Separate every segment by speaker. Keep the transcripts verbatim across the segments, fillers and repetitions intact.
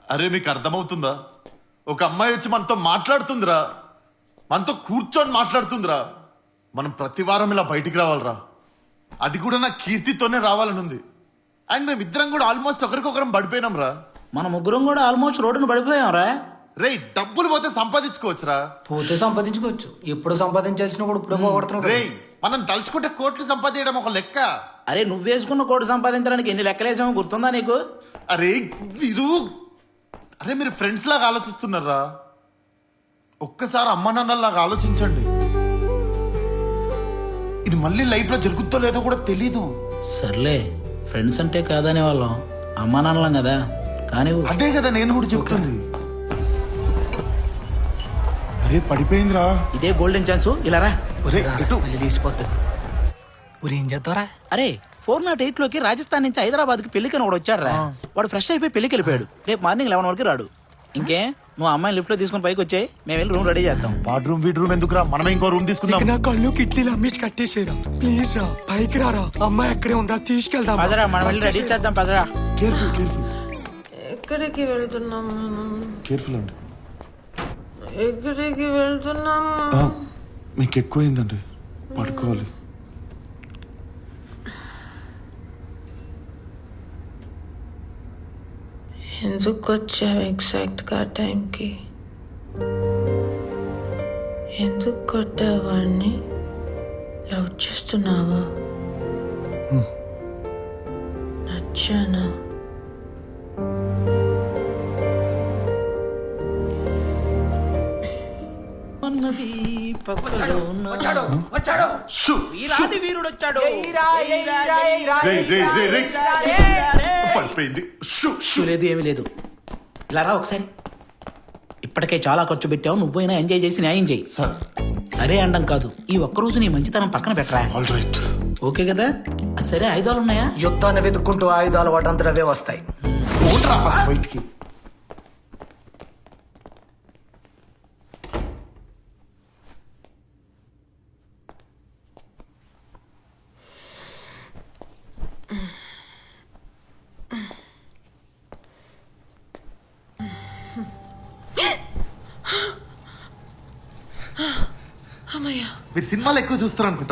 Speaker 1: అరే మీకు అర్థమవుతుందా? ఒక అమ్మాయి వచ్చి మనతో మాట్లాడుతుందిరా, మనతో కూర్చొని మాట్లాడుతుందిరా. మనం ప్రతి వారం ఇలా బయటికి రావాలరా. అది కూడా నా కీర్తితోనే రావాలని ఉంది. అండ్ మేము ఇద్దరం కూడా ఆల్మోస్ట్ ఒకరికొకరం పడిపోయినాం రా.
Speaker 2: మన ముగ్గురం కూడా ఆల్మోస్ట్ రోడ్డును పడిపోయాం రా.
Speaker 1: రే డబ్బులు పోతే సంపాదించుకోవచ్చురా.
Speaker 3: పోతే సంపాదించుకోవచ్చు, ఎప్పుడు సంపాదించాల్సినప్పుడు ఇప్పుడు పోగొడుతున్నావు.
Speaker 1: రే మనం తలుచుకుంటే కోట్లు సంపాదించడం ఒక లెక్క.
Speaker 2: అరే నువ్వు వేసుకున్న కోటి సంపాదించడానికి ఎన్ని లెక్కలేసామో గుర్తుందా నీకు?
Speaker 1: అరే మీరు అరే మీరు ఫ్రెండ్స్ లాగా ఆలోచిస్తున్నారా? ఒక్కసారి అమ్మ నాన్నలాగా ఆలోచించండి. ఇది మళ్ళీ లైఫ్ లో జరుగుతో లేదో కూడా తెలీదు.
Speaker 2: సర్లే, ఫ్రెండ్స్ అంటే కాదనే వాళ్ళం, అమ్మా నాన్నలం కదా. కానీ
Speaker 1: అదే కదా నేను కూడా చెప్తుంది. అరే పడిపోయిందిరా.
Speaker 2: ఇదే గోల్డెన్ ఛాన్స్, ఇలా రా.
Speaker 3: ఏం చేస్తారా?
Speaker 2: అరే ఫోర్ నాట్ ఎయిట్ లోకి రాజస్థాన్ నుంచి హైదరాబాద్ కి పెళ్లికని వాడు వచ్చాడు రా. వాడు ఫ్రెష్ అయిపోయి పెళ్లికి వెళ్ళిపోయాడు. రేపు మార్నింగ్ లెవెన్ వరకు రాడు. ఇంకే నువ్వు అమ్మాయిని లిఫ్ట్ లో తీసుకుని పైకి వచ్చాయి, మేము వెళ్ళి రూమ్ రెడీ చేద్దాం.
Speaker 1: వాడ్ రూమ్ వీడ్ రూమ్ ఎందుకురా, మనమే ఇంకో రూమ్ తీసుకుందాం.
Speaker 4: నా కళ్ళు కిట్లీలు అమ్మేసి కట్టేసేరా. ప్లీజ్ రా, పైకి రారా. అమ్మాయి ఎక్కడే ఉందా, తీసుకెళ్దాం.
Speaker 2: పదరా, మనం వెళ్ళి రెడీ చేద్దాం. పదరా.
Speaker 1: Careful careful.
Speaker 5: ఎక్కడికి వెళ్తున్నాం మనం?
Speaker 1: కేర్ఫుల్ అండి.
Speaker 5: ఎక్కడికి వెళ్తున్నాం?
Speaker 1: మీకు ఎక్కువైందండి, పడుకోవాలి.
Speaker 5: ఎందుకు వచ్చావు ఎగ్జాక్ట్ గా టైంకి? ఎందుకు కొట్టావాడిని? లవ్ చేస్తున్నావా? నచ్చానా?
Speaker 2: వీరుడు వచ్చాడు.
Speaker 1: పడిపోయింది.
Speaker 2: లేదు ఏమీ లేదు. ఇలా రా ఒకసారి. ఇప్పటికే చాలా ఖర్చు పెట్టావు, నువ్వైనా ఎంజాయ్ చేసి న్యాయం చేయి.
Speaker 1: సార్
Speaker 2: సరే అండం కాదు, ఈ ఒక్కరోజు నీ మంచితనం పక్కన పెట్టరా.
Speaker 1: All right.
Speaker 2: ఓకే కదా? అది సరే, ఆయుధాలు ఉన్నాయా?
Speaker 3: యుద్ధాన్ని వెతుక్కుంటూ ఆయుధాలు వాటంతా అవే వస్తాయి.
Speaker 1: ఫస్ట్ బయటికి. మీరు సినిమాలు ఎక్కువ చూస్తారు అనుకుంటా.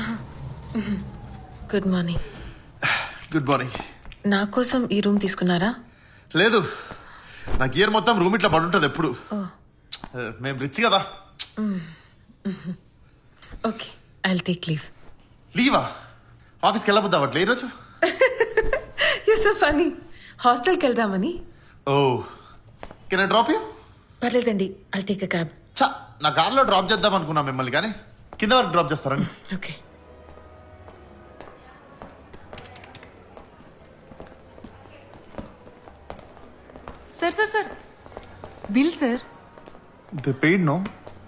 Speaker 5: Good morning.
Speaker 1: Good morning.
Speaker 5: నా కోసం ఈ రూమ్ తీసుకున్నారా?
Speaker 1: లేదు, నా గియర్ మొత్తం రూమ్ ఇట్లా పడుంటది ఎప్పుడు. మేము రిచ్ కదా.
Speaker 5: Okay, I'll take leave.
Speaker 1: లీవా? ఆఫీస్కి వెళ్ళబోద్దాం అట్లా ఈరోజు.
Speaker 5: You so funny. హాస్టల్కి వెళ్దామని.
Speaker 1: Oh can I drop you?
Speaker 5: పర్లేదండి, ఐల్ టేక్ అ క్యాబ్.
Speaker 1: చా, నా కార్లో డ్రాప్ చేద్దాం అనుకున్నా మిమ్మల్ని, కానీ కింద వరకు డ్రాప్ చేస్తారండి.
Speaker 5: Okay.
Speaker 6: Sir sir sir bill sir.
Speaker 1: They paid no?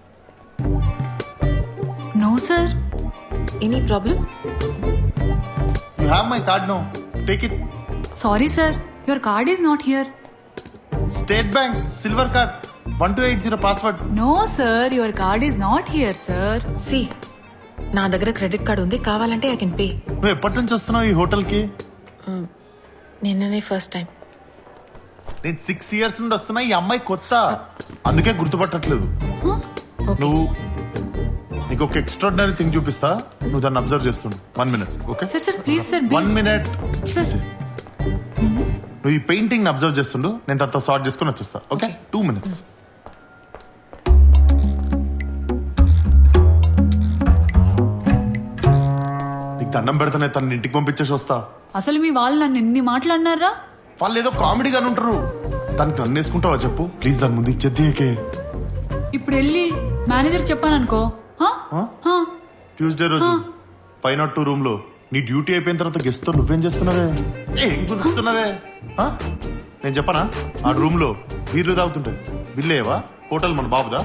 Speaker 6: No sir.
Speaker 5: Any problem?
Speaker 1: You have my card no, take it.
Speaker 6: Sorry sir, your card is not here.
Speaker 1: State bank silver card, one two eight zero password.
Speaker 6: No sir, your card is not here sir.
Speaker 5: సి, నా దగ్గర credit card ఉంది, కావాలంటే I can pay.
Speaker 1: నువ్వు ఎప్పటి నుంచి వస్తున్నావు ఈ హోటల్కి?
Speaker 5: నిన్ననే ఫస్ట్ టైం.
Speaker 1: నేను సిక్స్ ఇయర్స్ నుండి వస్తున్నా. ఈ అమ్మాయి కొత్త, అందుకే గుర్తుపట్టట్లేదు. నువ్వు నీకు ఒక ఎక్స్ట్రాడినరీ థింగ్ చూపిస్తా, నువ్వు దాన్ని అబ్జర్వ్ చేస్తుండు. One minute. Okay
Speaker 6: sir sir please sir.
Speaker 1: One minute. నువ్వు ఈ పెయింటింగ్ అబ్జర్వ్ చేస్తుండు, నేను దాంతో సార్ట్ చేసుకుని వచ్చేస్తా. Okay, two minutes. నీకు దండం పెడతానే, తన ఇంటికి పంపించేసి వస్తా.
Speaker 6: అసలు మీ వాళ్ళు నన్ను ఎన్ని మాట్లాడినారా?
Speaker 1: వాళ్ళు ఏదో కామెడీగానే ఉంటారు. దానికి నన్ను వేసుకుంటావా చెప్పు ప్లీజ్? దాని ముందు ఇచ్చేద్దే.
Speaker 6: ఇప్పుడు వెళ్ళి మేనేజర్ చెప్పాను అనుకో.
Speaker 1: ట్యూస్డే రోజు ఫైవ్ నాట్ టూ రూమ్ లో నీ డ్యూటీ అయిపోయిన తర్వాత గెస్ట్ తో నువ్వేం చేస్తున్నావే? ఏం గుర్తున్నావే? నేను చెప్పనా, ఆ రూమ్ లో బీర్లు తాగుతుంటాయి. బిల్లేవా? హోటల్ మన బాబుదా?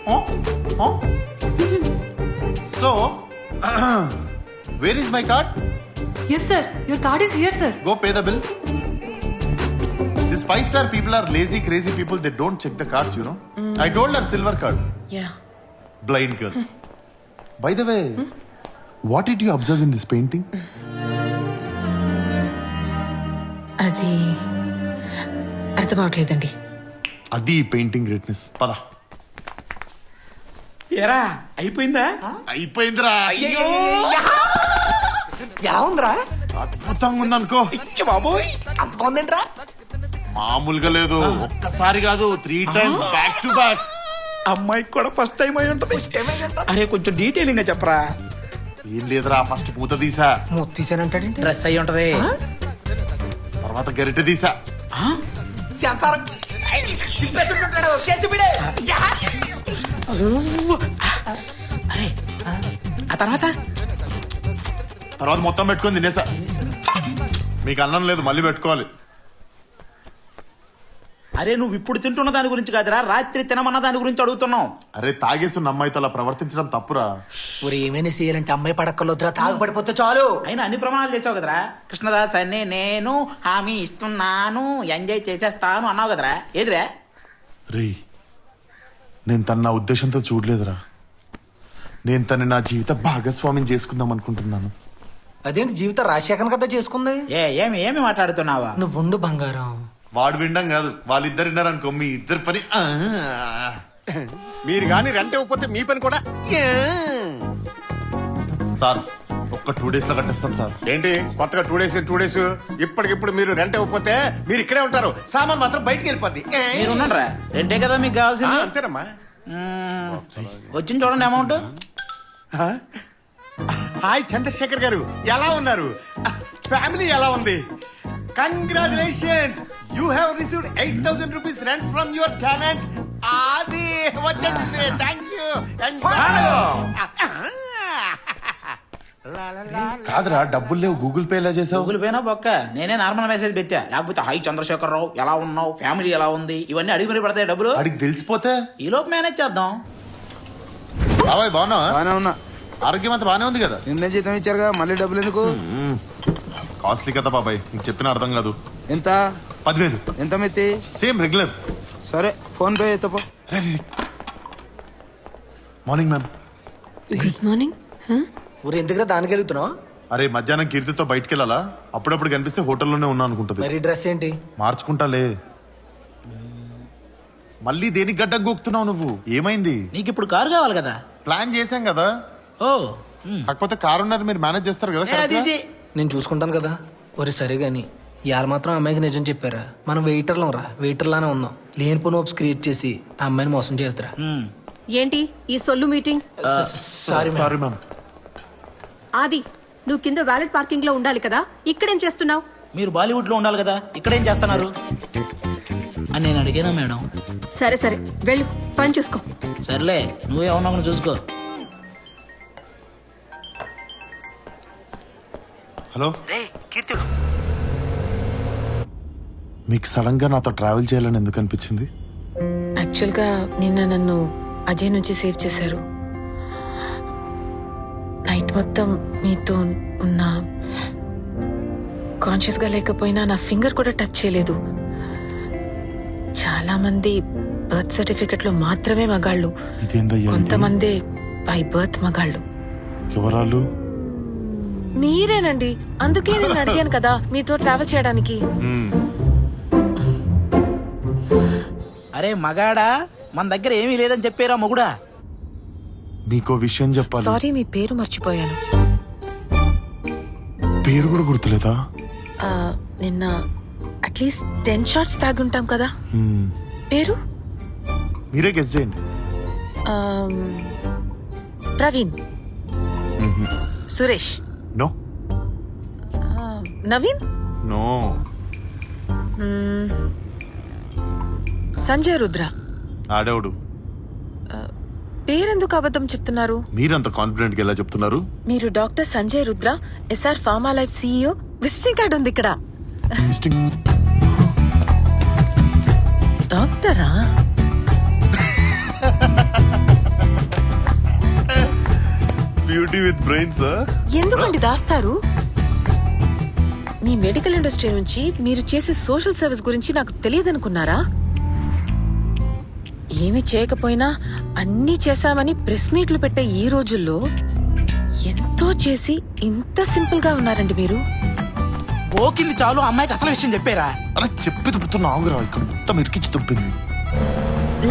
Speaker 1: So where is my card?
Speaker 6: Yes sir, your card is here sir.
Speaker 1: Go pay the bill. These five star people are lazy, crazy people. They don't check the cards, you know. Mm. I told her silver card.
Speaker 5: Yeah.
Speaker 1: Blind girl. By the way, hmm? what did you observe in this painting?
Speaker 5: అది అర్థం అవట్లేదండి.
Speaker 1: అది painting greatness. పద.
Speaker 2: ఎరా అయిపోయిందా?
Speaker 1: అయిపోయిందిరా.
Speaker 3: ఎలా ఉందిరా?
Speaker 1: అద్భుతంగా ఉందనుకో.
Speaker 2: బాబోయ్
Speaker 3: అంత బాగుందేంట్రా?
Speaker 1: మామూలుగా లేదు. ఒక్కసారి కాదు, three times back to back.
Speaker 2: అమ్మాయికి కూడా ఫస్ట్ టైం అయి ఉంటది. అరే కొంచెం డీటెయిలింగ్ గా చెప్పరా.
Speaker 1: ఏం లేదురా, ఫస్ట్ పూత తీసా,
Speaker 3: మూత తీసానంటాడేంటి?
Speaker 2: డ్రెస్ అయి ఉంటది.
Speaker 1: తర్వాత గరిటె తీసా,
Speaker 2: అరే ఆ తర్వాత
Speaker 1: తర్వాత మొత్తం పెట్టుకొని తినేసా. మీకు అన్నం లేదు, మళ్ళీ పెట్టుకోవాలి.
Speaker 2: అరే నువ్వు ఇప్పుడు తింటున్న దాని గురించి కాదురా, రాత్రి తినమన్న దాని గురించి అడుగుతున్నావు.
Speaker 1: అరే తాగేస్తున్న అమ్మాయితో అలా ప్రవర్తించడం తప్పురా.
Speaker 3: ఊరు ఏమైనా చేయాలంటే అమ్మాయి పడక్కర్లొద్దురా, తాగు పడిపోతే చాలు.
Speaker 2: అయినా అన్ని ప్రమాణాలు చేసావు కదరా. కృష్ణదాస్ అని నేను హామీ ఇస్తున్నాను, ఎంజాయ్ చేసేస్తాను అన్నావు కదరా. ఏదిరా?
Speaker 1: రే, నేను తన నా ఉద్దేశంతో చూడలేదురా. నేను తన నా జీవిత భాగస్వామ్యం చేసుకుందాం అనుకుంటున్నాను.
Speaker 3: అదేంటి జీవితం రాజశేఖర్ కదా చేసుకుంది?
Speaker 2: ఏ ఏమి ఏమి మాట్లాడుతున్నావా?
Speaker 3: నువ్వు ఉండు బంగారం.
Speaker 1: వాడు వినడం కాదు, వాళ్ళిద్దరు విన్నారనుకో మీ ఇద్దరు పని. ఆ.
Speaker 7: మీరు గాని రెంట్ ఇవ్వకపోతే మీ పని కూడా యా.
Speaker 1: సార్ ఒక్క టూ డేస్ లో కట్టేస్తాం సార్.
Speaker 7: ఏంటి కొత్తగా టూ డేస్ టూ డేస్ ఇప్పటికిప్పుడు మీరు రెంట్ ఇవ్వకపోతే మీరు ఇక్కడే ఉంటారు, సామాన్ మాత్రం బయటికి వెళ్ళిపోద్ది. ఏ?
Speaker 2: మీరు ఉన్నారా? రెండే కదా మీకు
Speaker 7: ఆ,
Speaker 2: కావాల్సింది.
Speaker 7: అంతేనమ్మా.
Speaker 2: మ్మ్. వచ్చింది చూడండి అమౌంట్.
Speaker 7: ఆ? హాయ్ చంద్రశేఖర్ గారు, ఎలా ఉన్నారు? ఫ్యామిలీ ఎలా ఉంది? Congratulations, you have received eight thousand rupees rent from your tenant. అది వచ్చేసింది. Thank you.
Speaker 1: కాదురా, డబ్బులు లేవు, గూగుల్ పే ఎలా చేసావు?
Speaker 2: గూగుల్ పేనా బొక్క, నేనే నార్మల్ మెసేజ్ పెట్టా. లేకపోతే హై చంద్రశేఖర్ రావు ఎలా ఉన్నావు, ఫ్యామిలీ ఎలా ఉంది, ఇవన్నీ అడిగి మరి పడతాయి డబ్బులు.
Speaker 1: అడిగి తెలిసిపోతే
Speaker 2: ఈ లోపు మేనేజ్ చేద్దాం.
Speaker 1: బాబాయ్ బాగున్నావా?
Speaker 8: బానే ఉన్నా.
Speaker 1: ఆరోగ్యం అంతా బానే ఉంది కదా?
Speaker 8: నిన్నే జీతం ఇచ్చారుగా, మళ్ళీ డబ్బులు ఎందుకు?
Speaker 1: కాస్ట్లీ కదా బాబాయ్, నీకు చెప్పిన అర్థం కాదు.
Speaker 8: ఎంత
Speaker 1: పదివేలు
Speaker 8: ఎంత మెత్తి?
Speaker 1: Same regular.
Speaker 8: సరే ఫోన్ పే ఎత్తపో.
Speaker 1: Morning ma'am.
Speaker 9: Good morning.
Speaker 3: ఊరు ఎందుకురా దానికి వెళ్తున్నావు?
Speaker 1: అరే మధ్యాహ్నం కీర్తితో బయటికి వెళ్ళాలా, అప్పుడప్పుడు కనిపిస్తే హోటల్లోనే ఉన్నా అనుకుంటది.
Speaker 3: మరి డ్రెస్ ఏంటి?
Speaker 1: మార్చుకుంటాలే. మళ్ళీ దేనికి గడ్డం గోక్తున్నావు నువ్వు? ఏమైంది?
Speaker 2: నీకు ఇప్పుడు కారు కావాలి కదా.
Speaker 1: ప్లాన్ చేశాం కదా.
Speaker 2: ఓ మ్మ్.
Speaker 1: కాకపోతే కారు ఉన్నారు, మీరు మేనేజ్ చేస్తారు కదా
Speaker 2: ఏ, అది
Speaker 1: correct గా?
Speaker 2: ఇది.
Speaker 3: నేను చూసుకుంటాను కదా. ఒరే సరే గాని ఇవాళ మాత్రం అమ్మాయికి నిజం చెప్పారా? మనం వెయిటర్లం రా, వెయిటర్లానే ఉన్నాం. లేనిపోని హోప్స్ క్రియేట్ చేసి ఆ అమ్మాయిని మోసం చేద్దురా.
Speaker 2: మ్మ్.
Speaker 9: ఏంటి ఈ సొల్లు మీటింగ్?
Speaker 3: Sorry
Speaker 1: sorry ma'am.
Speaker 9: ఆది, నువ్వు కింద వ్యాలెట్ పార్కింగ్ లో ఉండాలి కదా, ఇక్కడేం చేస్తున్నావు?
Speaker 2: మీరు బాలీవుడ్ లో ఉండాలి కదా, ఇక్కడ ఏం చేస్తున్నారు అని నేను అడిగానా మేడం?
Speaker 9: సరే సరే వెళ్ళు, పని చూసుకో.
Speaker 2: సర్లే, నువ్వేమన్నా చూసుకో.
Speaker 1: హలో, మీకు సడన్ గా నాతో ట్రావెల్ చేయాలని ఎందుకు అనిపించింది?
Speaker 5: యాక్చువల్గా నిన్న నన్ను అజయ్ నుంచి సేవ్ చేశారు. నైట్ మొత్తం మీతో ఉన్న కాన్షియస్గా లేకపోయినా నా ఫింగర్ కూడా టచ్ చేయలేదు. చాలా మంది బర్త్ సర్టిఫికెట్ లో మాత్రమే మగాళ్ళు,
Speaker 1: ఇదేందయ్యా ఇది?
Speaker 5: కొంతమంది బై బర్త్ మగాళ్ళు.
Speaker 1: ఎవరాలు?
Speaker 5: మీరేనండి, అందుకే నేను అడిగాను కదా మీతో ట్రావెల్ చేయడానికి.
Speaker 1: మ్మ్.
Speaker 2: అరే మగాడా, మన దగ్గర ఏమీ లేదని చెప్పారా మొగుడా?
Speaker 1: మీకో విషయం చెప్పాలి.
Speaker 5: సారీ, మీ పేరు మర్చిపోయాను.
Speaker 1: పేరు కూడా గుర్తులేదా?
Speaker 5: ఆ, నిన్న అట్లీస్ట్ టెన్ షార్ట్స్ తాగుంటాం కదా.
Speaker 1: మ్మ్.
Speaker 5: పేరు
Speaker 1: మీరే గెస్ చేయండి.
Speaker 5: ఆమ్, ప్రవీణ్, సురేష్,
Speaker 1: నో
Speaker 5: ఆ, నవీన్,
Speaker 1: నో
Speaker 5: మ్మ్, సంజయ్ రుద్ర.
Speaker 1: ఆడేవుడు.
Speaker 5: పేరెందుకు అబద్ధం చెప్తున్నారు?
Speaker 1: మీరంత కాన్ఫిడెంట్ గా ఎలా చెప్తున్నారు?
Speaker 5: మీరు doctor Sanjay Rudra, SR pharma life CEO. Visiting card ఉంది ఇక్కడ. డాక్టరా?
Speaker 1: Beauty with brains.
Speaker 5: ఎందుకండి దాస్తారు? మీ మెడికల్ ఇండస్ట్రీ నుంచి మీరు చేసే సోషల్ సర్వీస్ గురించి నాకు తెలియదనుకున్నారా? ఏమి చేయకపోయినా అన్నీ చేశామని ప్రెస్ మీట్లు పెట్టే ఈ రోజుల్లో ఎంతో చేసి ఇంత సింపుల్ గా ఉన్నారండి మీరు.
Speaker 2: ఓకింది చాలు, అమ్మాయికి అసలు విషయం చెప్పారా?
Speaker 1: అలా చెప్పి తుప్పుతున్న ఆగురా, ఇక్కడ మొత్తం ఇరికించి తుప్పింది. ఆ